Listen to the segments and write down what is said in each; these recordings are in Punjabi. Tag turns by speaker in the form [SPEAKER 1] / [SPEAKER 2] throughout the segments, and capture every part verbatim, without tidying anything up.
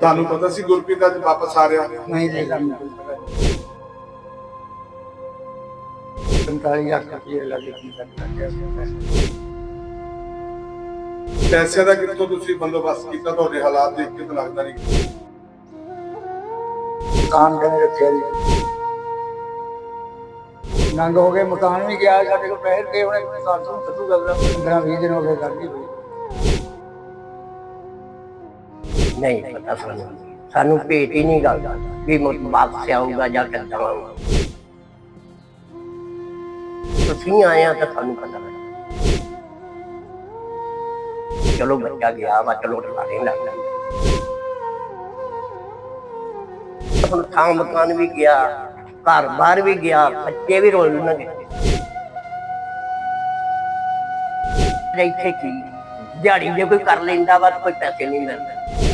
[SPEAKER 1] ਤੁਹਾਨੂੰ ਪਤਾ ਸੀ ਗੁਰਪ੍ਰੀਤ ਅੱਜ ਵਾਪਸ ਆ ਰਿਹਾ?
[SPEAKER 2] ਨਹੀਂ ਜੀ, ਸਾਨੂੰ ਕੋਈ ਪਤਾ ਨਹੀਂ। ਪੰਤਾਲੀ ਲੱਖ ਰੁਪਏ ਲੱਗੇ ਕੀ ਲੱਗਿਆ
[SPEAKER 1] ਪੈਸੇ ਦਾ ਕਿੱਥੋਂ ਤੁਸੀਂ ਬੰਦੋਬਸਤ ਕੀਤਾ? ਤੁਹਾਡੇ ਹਾਲਾਤ ਦੇਖ ਕੇ ਤਾਂ ਲੱਗਦਾ ਨਹੀਂ।
[SPEAKER 2] ਮਕਾਨ ਕਹਿੰਦੇ ਰੱਖਿਆ ਜੀ, ਨੰਗ ਹੋ ਗਏ, ਮਕਾਨ ਵੀ ਗਿਆ, ਸਾਡੇ ਕੋਲ ਪੈਸੇ ਦੇ ਹੋਣੇ ਮਕਾਨ ਤੋਂ ਕੱਢੂ ਗੱਲ ਪੰਦਰਾਂ ਵੀਹ ਦਿਨ ਹੋ ਗਏ ਗੱਲ ਹੀ ਹੋਈ
[SPEAKER 3] ਨਹੀਂ ਪਤਾ ਸਾਨੂੰ ਸਾਨੂੰ ਭੇਟ ਹੀ ਨਹੀਂ ਗੱਲ ਵੀ ਵਾਪਸ ਆਊਗਾ ਜਾਂ ਕਿੱਦਾਂ ਆਊਗਾ। ਤੁਸੀਂ ਆਇਆ ਤਾਂ ਸਾਨੂੰ ਪਤਾ ਲੱਗਾ, ਚਲੋ ਬੱਚਾ ਗਿਆ ਵਾ, ਚਲੋ ਠਾਣੇ ਲੱਗ ਗਿਆ। ਹੁਣ ਥਾਂ ਮਕਾਨ ਵੀ ਗਿਆ, ਘਰ ਬਾਹਰ ਵੀ ਗਿਆ, ਬੱਚੇ ਵੀ ਰੋਲ ਲਣਗੇ। ਇੱਥੇ ਕੀ ਦਿਹਾੜੀ ਜੇ ਕੋਈ ਕਰ ਲੈਂਦਾ ਵਾ ਕੋਈ ਪੈਸੇ ਨਹੀਂ ਮਿਲਦੇ।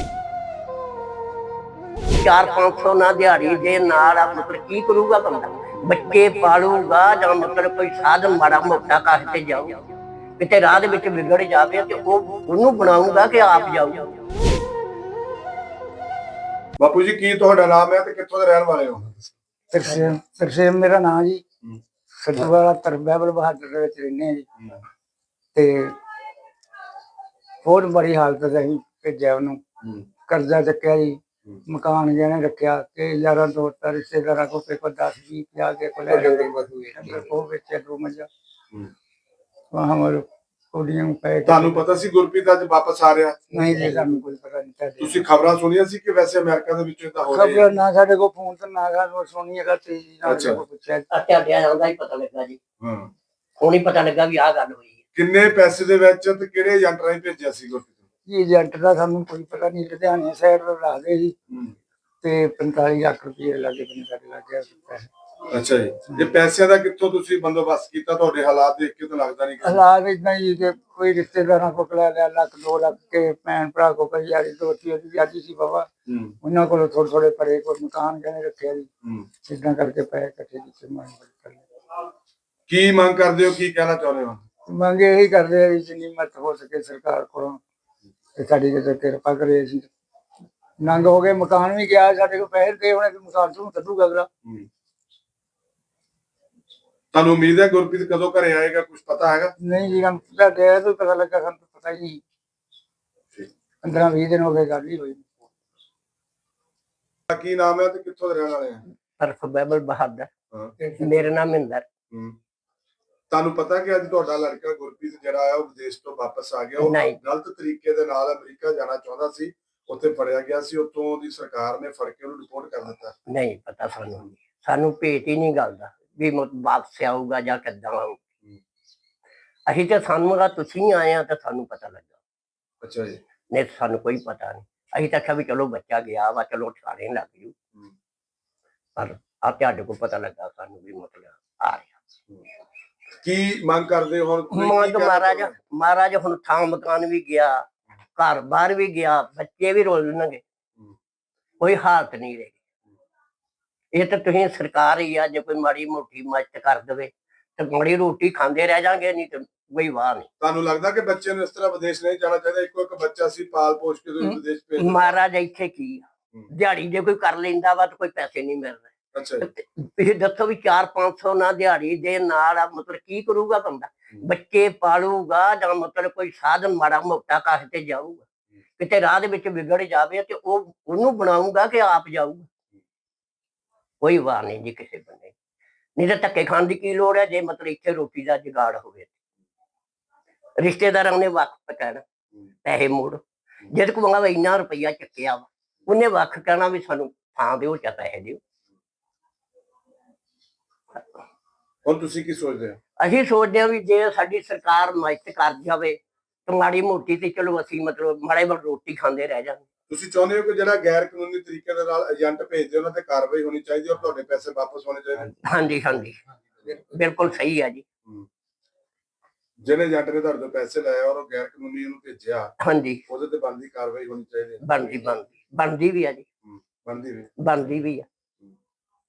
[SPEAKER 3] ਚਾਰ ਪੰਜ ਸੌ ਨਾ ਦਿਹਾੜੀ ਦੇ ਨਾਲ ਮਤਲਬ ਕੀ ਕਰੂਗਾ ਬੰਦਾ? ਬੱਚੇ ਪਾਲੂਗਾ ਜਾਂ ਮਤਲਬ ਕੋਈ ਸਾਧਨ ਮਾੜਾ ਮੋਟਾ ਕਾਹ ਤੇ ਜਾਊ, ਕਿਤੇ ਰਾਹ ਦੇ ਵਿੱਚ ਵਿਗੜ ਜਾਵੇ ਤੇ ਉਹ ਉਹਨੂੰ ਬਣਾਊਗਾ ਕਿ ਆਪ ਜਾਊ।
[SPEAKER 1] ਬਾਪੂ ਜੀ ਕੀ ਤੁਹਾਡਾ ਨਾਮ ਹੈ ਤੇ ਕਿੱਥੋਂ ਦੇ ਰਹਿਣ ਵਾਲੇ ਹੋ?
[SPEAKER 2] ਤਰਸੇਮ ਤਰਸੇਮ ਮੇਰਾ ਨਾਂ ਜੀ। ਸਤਵਾਲਾ ਤਰਬੈਬਲ ਬਹਾਦਰ ਦੇ ਵਿੱਚ ਰਹਿੰਦੇ ਆ ਜੀ। ਤੇ ਬਹੁਤ ਬੜੀ ਹਾਲਤ ਚ ਅਸੀਂ ਭੇਜਿਆ ਉਹਨੂੰ, ਕਰਜ਼ਾ ਚੱਕਿਆ ਜੀ, ਮਕਾਨ ਗਹਿਣੇ ਰੱਖਿਆ ਤੇ ਯਾਰਾਂ ਦੋਸਤਾਂ ਰਿਸ਼ਤੇਦਾਰਾਂ ਕੋਲ ਕੋਈ ਦਸ ਵੀਹ ਪੰਜਾਹ ਕੇ ਕੋਲ ਉਹ ਵੇਚਿਆ ਦੋ ਮੱਝਾਂ ਹਮਾਰੇ ਕੁੜੀਆਂ ਨੂੰ ਪੈ।
[SPEAKER 1] ਤੁਹਾਨੂੰ ਪਤਾ ਸੀ ਗੁਰਪ੍ਰੀਤ ਅੱਜ ਵਾਪਸ ਆ ਰਿਹਾ?
[SPEAKER 2] ਨਹੀਂ ਜੀ, ਸਾਨੂੰ ਕੋਈ ਪਤਾ ਨਹੀਂ।
[SPEAKER 1] ਤੁਸੀਂ ਖਬਰਾਂ ਸੁਣੀਆਂ ਸੀ ਕਿ ਵੈਸੇ ਅਮਰੀਕਾ ਦੇ ਵਿੱਚ ਤਾਂ ਹੋ ਰਹੀ ਹੈ?
[SPEAKER 2] ਖਬਰ ਨਾ ਸਾਡੇ ਕੋਲ ਫੋਨ ਤੇ ਨਾ ਗੱਲ ਸੁਣੀ ਹੈਗਾ ਤੇ ਜੀ ਨਾ ਕੋਈ ਪੁੱਛਿਆ।
[SPEAKER 3] ਤੁਹਾਡੇ ਆਉਂਦਾ ਹੀ ਪਤਾ ਲੱਗਾ ਜੀ। ਹਾਂ ਹੁਣ ਹੀ ਪਤਾ ਲੱਗਾ ਵੀ ਆਹ ਗੱਲ ਹੋਈ ਹੈ।
[SPEAKER 1] ਕਿੰਨੇ ਪੈਸੇ ਦੇ ਵਿੱਚ ਤੇ ਕਿਹੜੇ ਏਜੰਟ ਰਾਹੀਂ ਭੇਜਿਆ ਸੀ ਗੁਰਪ੍ਰੀਤ?
[SPEAKER 2] ਜੀ ਏਜੰਟ ਦਾ ਸਾਨੂੰ ਕੋਈ ਪਤਾ ਨਹੀਂ, ਲੁਧਿਆਣੇ ਸਾਈਡ ਤੋਂ ਰੱਖਦੇ ਸੀ ਤੇ ਪੰਤਾਲੀ ਲੱਖ ਰੁਪਏ ਲੱਗੇ ਬੰਦੇ ਸਾਡੇ ਲੱਗ ਗਿਆ।
[SPEAKER 1] ਅੱਛਾ ਜੀ, ਜੇ ਪੈਸਿਆਂ ਦਾ ਕਿੱਥੋਂ ਤੁਸੀਂ ਬੰਦੋਬਸਤ ਕੀਤਾ? ਤੁਹਾਡੇ ਹਾਲਾਤ ਦੇਖ ਕੇ ਤਾਂ ਲੱਗਦਾ ਨਹੀਂ।
[SPEAKER 2] ਹਾਲਾਤ ਇਦਾਂ ਹੀ ਕਿ ਕੋਈ ਰਿਸ਼ਤੇਦਾਰਾਂ ਕੋਲ ਲੈ ਲਿਆ, ਲੱਖ ਦੋ ਲੱਖ ਕੇ ਭੈਣ ਭਰਾ ਕੋ ਕਈ ਯਾਰੀ ਦੋਸਤੀ ਉਹਦੀ ਵਿਆਜੀ ਸੀ ਬਾਬਾ, ਉਹਨਾਂ ਕੋਲੋਂ ਥੋੜੇ ਥੋੜੇ ਪਰੇ ਕੋਈ ਮਕਾਨ ਕਹਿੰਦੇ ਰੱਖਿਆ ਜੀ। ਇਦਾਂ ਕਰਕੇ ਪੈਸੇ ਇਕੱਠੇ ਕੀਤੇ।
[SPEAKER 1] ਕੀ ਮੰਗ ਕਰਦੇ ਹੋ, ਕੀ ਕਹਿਣਾ ਚਾਹੁੰਦੇ ਹੋ?
[SPEAKER 2] ਮੰਗ ਇਹੀ ਕਰਦੇ ਆ ਜੀ ਜਿੰਨੀ ਮਦਦ ਹੋ ਸਕੇ ਸਰਕਾਰ ਕੋਲੋਂ ਤੇ ਸਾਡੀ ਜੇ ਕਿਰਪਾ ਕਰੇ। ਅਸੀਂ ਨੰਗ ਹੋ ਗਏ, ਮਕਾਨ ਵੀ ਗਿਆ, ਸਾਡੇ ਕੋਲ ਪੈਸੇ ਦੇ ਹੋਣੇ ਮਕਾਨ ਤੋਂ ਕੱਢੂਗਾ ਅਗਲਾ।
[SPEAKER 1] ਤੁਹਾਨੂੰ ਉਮੀਦ ਹੈ ਗੁਰਪ੍ਰੀਤ ਕਦੋਂ ਘਰੇ ਆਏਗਾ, ਕੁਝ ਪਤਾ ਹੈਗਾ?
[SPEAKER 2] ਨਹੀਂ ਜੀ, ਹਮ ਤੁਹਾਡੇ ਤੋਂ ਪਤਾ ਲੱਗਾ, ਸਾਨੂੰ ਪਤਾ ਹੀ ਨਹੀਂ। ਪੰਦਰਾਂ ਵੀਹ ਦਿਨ ਹੋ ਗਏ ਗੱਲ ਹੀ ਹੋਈ।
[SPEAKER 1] ਕੀ ਨਾਮ ਹੈ ਤੇ ਕਿੱਥੋਂ ਦੇ ਰਹਿਣ ਵਾਲੇ ਆ?
[SPEAKER 3] ਤਰਬੈਬਲ ਬਹਾਦਰ। ਮੇਰਾ ਨਾਮ ਮਹਿੰਦਰ।
[SPEAKER 1] ਤੁਹਾਨੂੰ ਪਤਾ ਕਿ ਅੱਜ ਤੁਹਾਡਾ ਲੜਕਾ ਗੁਰਪ੍ਰੀਤ ਜਿਹੜਾ ਆ ਉਹ ਵਿਦੇਸ਼ ਤੋਂ ਵਾਪਸ ਆ ਗਿਆ? ਉਹ ਗਲਤ ਤਰੀਕੇ ਦੇ ਨਾਲ ਅਮਰੀਕਾ ਜਾਣਾ ਚਾਹੁੰਦਾ ਸੀ, ਉੱਥੇ ਫੜਿਆ ਗਿਆ ਸੀ, ਉੱਥੋਂ ਦੀ ਸਰਕਾਰ ਨੇ ਫੜ ਕੇ ਉਹਨੂੰ ਰਿਪੋਰਟ ਕਰ ਦਿੱਤਾ।
[SPEAKER 3] ਨਹੀਂ ਪਤਾ ਸਾਨੂੰ ਸਾਨੂੰ ਭੇਟ ਹੀ ਨਹੀਂ ਗੱਲ ਦਾ ਵੀ ਵਾਪਸ ਆਊਗਾ ਜਾਂ ਕਿੱਦਾਂ ਆਊ। ਅਸੀਂ ਤਾਂ ਸਾਨੂੰ ਦਾ ਤੁਸੀਂ ਆਏ ਆ ਤਾਂ ਸਾਨੂੰ ਪਤਾ ਲੱਗਾ।
[SPEAKER 1] ਅੱਛਾ ਜੀ।
[SPEAKER 3] ਨਹੀਂ ਸਾਨੂੰ ਕੋਈ ਪਤਾ ਨਹੀਂ। ਅਸੀਂ ਤਾਂ ਆਖਿਆ ਵੀ ਚਲੋ ਬੱਚਾ ਗਿਆ ਵਾ, ਚਲੋ ਠਾਣੇ ਲੱਗ ਜੂ, ਪਰ ਆ ਤੁਹਾਡੇ ਕੋਲ ਪਤਾ ਲੱਗਾ ਸਾਨੂੰ ਵੀ ਮਤਲਬ ਆ ਰਿਹਾ।
[SPEAKER 1] ਕੀ ਮੰਗ ਕਰਦੇ ਹੋ ਹੁਣ?
[SPEAKER 3] ਮੰਗ ਮਹਾਰਾਜ ਮਹਾਰਾਜ ਹੁਣ ਥਾਂ ਮਕਾਨ ਵੀ ਗਿਆ, ਘਰ ਬਾਹਰ ਵੀ ਗਿਆ, ਬੱਚੇ ਵੀ ਰੋਲ ਲਣਗੇ, ਕੋਈ ਹਾਲਤ ਨਹੀਂ ਰਹੀ। ਇਹ ਤਾਂ ਤੁਸੀਂ ਸਰਕਾਰ ਹੀ ਆ, ਜੇ ਕੋਈ ਮਾੜੀ ਮੋਟੀ ਮਦਦ ਕਰ ਦੇਵੇ ਤੇ ਮਾੜੀ ਰੋਟੀ ਖਾਂਦੇ ਰਹਿ ਜਾਗੇ, ਨਹੀਂ ਤੇ ਕੋਈ ਵਾਹ ਨਹੀਂ।
[SPEAKER 1] ਤੁਹਾਨੂੰ ਲੱਗਦਾ ਕਿ ਬੱਚੇ ਨੂੰ ਇਸ ਤਰ੍ਹਾਂ ਵਿਦੇਸ਼ ਨਹੀਂ ਜਾਣਾ ਚਾਹੀਦਾ? ਇੱਕੋ ਇੱਕ ਬੱਚਾ ਸੀ, ਪਾਲ ਪੋਸ਼ ਕੇ ਤੁਸੀਂ ਵਿਦੇਸ਼ ਭੇਜ?
[SPEAKER 3] ਮਹਾਰਾਜ ਇੱਥੇ ਕੀ ਦਿਹਾੜੀ ਜੇ ਕੋਈ ਕਰ ਲੈਂਦਾ ਵਾ ਤਾਂ ਕੋਈ ਪੈਸੇ ਨਹੀਂ ਮਿਲਦੇ। ਤੁਸੀਂ ਦੱਸੋ ਵੀ ਚਾਰ ਪੰਜ ਸੌ ਨਾ ਦਿਹਾੜੀ ਦੇ ਨਾਲ ਮਤਲਬ ਕੀ ਕਰੂਗਾ ਬੰਦਾ? ਬੱਚੇ ਪਾਲੂਗਾ ਜਾਂ ਮਤਲਬ ਕੋਈ ਸਾਧਨ ਮਾੜਾ ਮੋਟਾ ਕਾਹ ਤੇ ਜਾਊਗਾ, ਕਿਤੇ ਰਾਹ ਦੇ ਵਿੱਚ ਵਿਗੜ ਜਾਵੇ ਤੇ ਉਹ ਉਹਨੂੰ ਬਣਾਊਗਾ ਕਿ ਆਪ ਜਾਊਗਾ। ਕੋਈ ਵਾਰ ਨਹੀਂ ਜੀ ਕਿਸੇ ਬੰਦੇ, ਨਹੀਂ ਤਾਂ ਧੱਕੇ ਖਾਣ ਦੀ ਕੀ ਲੋੜ ਹੈ ਜੇ ਮਤਲਬ ਇੱਥੇ ਰੋਟੀ ਦਾ ਜੁਗਾੜ ਹੋਵੇ। ਰਿਸ਼ਤੇਦਾਰਾਂ ਨੇ ਵੱਖ ਕਹਿਣਾ ਪੈਸੇ ਮੋੜ, ਜਦ ਕੋਲ ਇੰਨਾ ਰੁਪਈਆ ਚੱਕਿਆ ਵਾ ਉਹਨੇ ਵੱਖ ਕਹਿਣਾ ਵੀ ਸਾਨੂੰ ਥਾਂ ਦਿਓ ਜਾਂ ਪੈਸੇ ਦਿਓ।
[SPEAKER 1] ਹੁਣ ਤੁਸੀਂ ਕੀ ਸੋਚਦੇ ਹੋ?
[SPEAKER 3] ਅਸੀਂ ਸੋਚਦੇ ਹਾਂ ਵੀ ਜੇ ਸਾਡੀ ਸਰਕਾਰ ਮਦਦ ਕਰ ਜਾਵੇ ਤਾਂ ਮਾੜੀ ਮੋਟੀ ਤੇ ਚਲੋ ਅਸੀਂ ਮਤਲਬ ਮਾੜੇ ਮੋਟੇ ਰੋਟੀ ਖਾਂਦੇ ਰਹਿ ਜਾਂਦੇ।
[SPEAKER 1] ਤੁਸੀਂ ਚਾਹੁੰਦੇ ਹੋ ਕਿ ਜਿਹੜਾ ਗੈਰ ਕਾਨੂੰਨੀ ਤਰੀਕੇ ਦੇ ਨਾਲ ਏਜੰਟ ਭੇਜਦੇ ਉਹਨਾਂ ਤੇ ਕਾਰਵਾਈ ਹੋਣੀ ਚਾਹੀਦੀ ਔਰ ਤੁਹਾਡੇ ਪੈਸੇ ਵਾਪਸ ਹੋਣੇ ਚਾਹੀਦੇ?
[SPEAKER 3] ਹਾਂਜੀ ਹਾਂਜੀ ਬਿਲਕੁਲ ਸਹੀ ਹੈ ਜੀ।
[SPEAKER 1] ਜਿਹੜੇ ਏਜੰਟ ਨੇ ਤੁਹਾਡੇ ਤੋਂ ਪੈਸੇ ਲਏ ਔਰ ਉਹ ਗੈਰ ਕਾਨੂੰਨੀ ਉਹਨੂੰ ਭੇਜਿਆ,
[SPEAKER 3] ਹਾਂਜੀ,
[SPEAKER 1] ਉਹਦੇ ਤੇ ਬਣਦੀ ਕਾਰਵਾਈ ਹੋਣੀ ਚਾਹੀਦੀ?
[SPEAKER 3] ਬਣਦੀ ਬਣਦੀ ਬਣਦੀ ਵੀ ਆ ਜੀ,
[SPEAKER 1] ਬਣਦੀ ਵੀ
[SPEAKER 3] ਬਣਦੀ ਵੀ ਆ।